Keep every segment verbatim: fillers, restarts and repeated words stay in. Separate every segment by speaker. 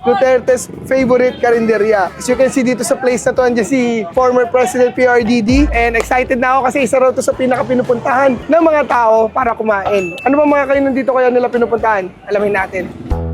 Speaker 1: Duterte's favorite karinderya. As you can see dito sa place na to, andyan si former President P R D D. And excited na ako kasi isa raw to sa pinaka-pinupuntahan ng mga tao para kumain. Ano ba mga kainan dito kaya nila pinupuntahan? Alamin natin.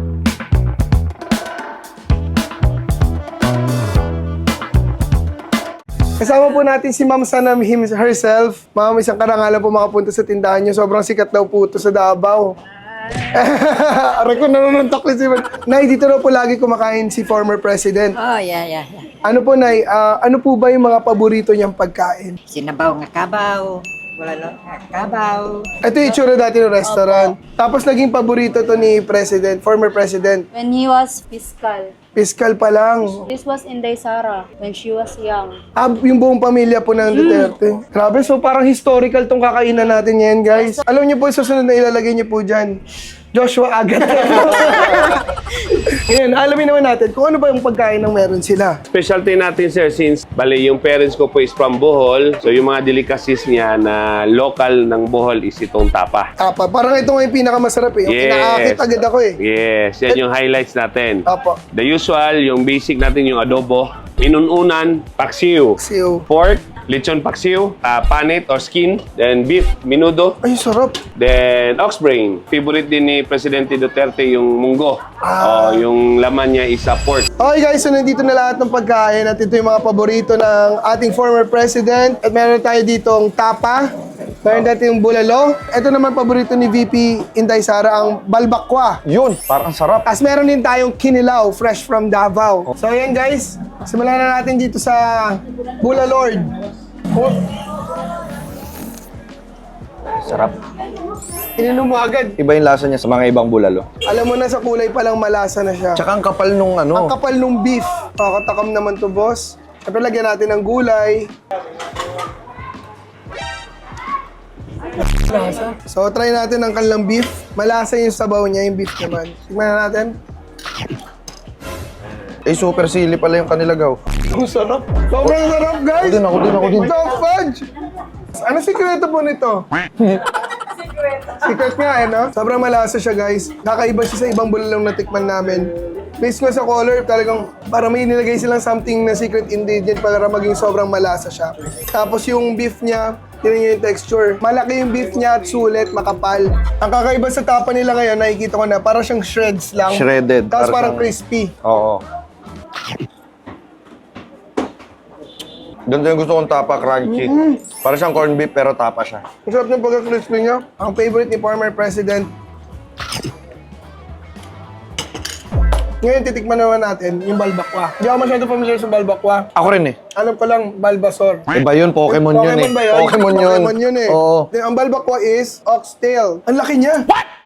Speaker 1: Kasama po natin si Ma'am Sanam him herself. Ma'am, isang karangalan po makapunta sa tindahan niyo. Sobrang sikat daw po ito sa Davao. Aray ko, nanununtok ni si Ma'am. Nay, dito raw po lagi kumakain si former president.
Speaker 2: Oh, yeah, yeah, yeah.
Speaker 1: Ano po, Nay, ah, ano po ba yung mga paborito niyang pagkain?
Speaker 2: Sinabaw nga kabaw. Wala lang nga kabaw.
Speaker 1: Ito yung itsura dati ng restaurant. Tapos naging paborito to ni president, former president.
Speaker 3: When he was fiscal.
Speaker 1: Fiscal pa lang.
Speaker 3: This was Inday Sara when she was young.
Speaker 1: Ah, yung buong pamilya po ng Duterte. Grabe, so parang historical tong kakainan natin ngayon, guys. Alam niyo po, susunod na ilalagay niyo po dyan. Joshua agad. Ngayon, alamin naman natin kung ano ba yung pagkain ng meron sila.
Speaker 4: Specialty natin, sir, since bali yung parents ko po is from Bohol, so yung mga delicacies niya na local ng Bohol is itong tapa.
Speaker 1: Tapa, parang ito nga yung pinakamasarap eh. Yung
Speaker 4: Yes.
Speaker 1: kinakakit agad ako eh.
Speaker 4: Yes, yan yung highlights natin.
Speaker 1: Apo.
Speaker 4: The usual, yung basic natin yung adobo, inununan, paksiw,
Speaker 1: Siyo.
Speaker 4: pork, lechon paksiw, uh, panit or skin, then beef, minudo,
Speaker 1: Ay, sarap.
Speaker 4: then ox brain. Favorite din ni Presidente Duterte yung munggo.
Speaker 1: Ah.
Speaker 4: O yung laman niya is uh, pork.
Speaker 1: Okay guys, so nandito na lahat ng pagkain at ito yung mga paborito ng ating former president. At meron tayo ditong tapa, meron natin yung bulalo. Ito naman paborito ni V P Inday Sara, ang balbakwa.
Speaker 5: Yun, parang sarap.
Speaker 1: Tapos meron din tayong kinilaw, fresh from Davao. So ayan guys, simulan na natin dito sa Bula Lord. Oh,
Speaker 5: Sarap.
Speaker 1: ininom mo agad.
Speaker 5: Iba yung lasa niya sa mga ibang bulalo.
Speaker 1: Alam mo na sa kulay pa lang malasa na siya.
Speaker 5: Tsaka ang kapal nung
Speaker 1: Ang
Speaker 5: ano.
Speaker 1: kapal nung beef. Kakatakam naman to, boss. Siyempre, lagyan natin ng gulay. So, try natin ang kanilang beef. Malasa yung sabaw niya, yung beef naman. Tignan na natin.
Speaker 5: Eh, super sili pala yung kanilaw.
Speaker 1: Ang sarap. Sobrang sarap, guys.
Speaker 5: Ako din, ako din, ako din.
Speaker 1: Ito, fudge. Ano sikreto po nito? Secret nga eh, no? Sobrang malasa siya, guys. Kakaiba siya sa ibang bulalong natikman namin. Based nga sa color, talagang para may nilagay silang something na secret ingredient para maging sobrang malasa siya. Tapos yung beef niya, tinan niyo yung texture. Malaki yung beef niya at sulit, makapal. Ang kakaiba sa tapa nila ngayon, nakikita ko na, parang siyang shreds lang.
Speaker 5: Shredded.
Speaker 1: Tapos parang
Speaker 5: Para siyang-
Speaker 1: crispy.
Speaker 5: Oo. Ganito yung gusto kong tapa, crunchy. Para siyang corned beef pero tapa siya.
Speaker 1: Ang sarap ng pagka-crispy niya. Ang favorite ni former president. Ngayon, titikman naman natin yung balbakwa. Hindi ako masyado familiar sa balbakwa.
Speaker 5: Ako rin eh.
Speaker 1: Alam ko lang, Balbasor.
Speaker 5: Iba yun, Pokemon, yun eh.
Speaker 1: Pokemon ba yun?
Speaker 5: Pokemon yun.
Speaker 1: Pokemon yun eh.
Speaker 5: Oo.
Speaker 1: Then, ang balbakwa is oxtail. Ang laki niya. What?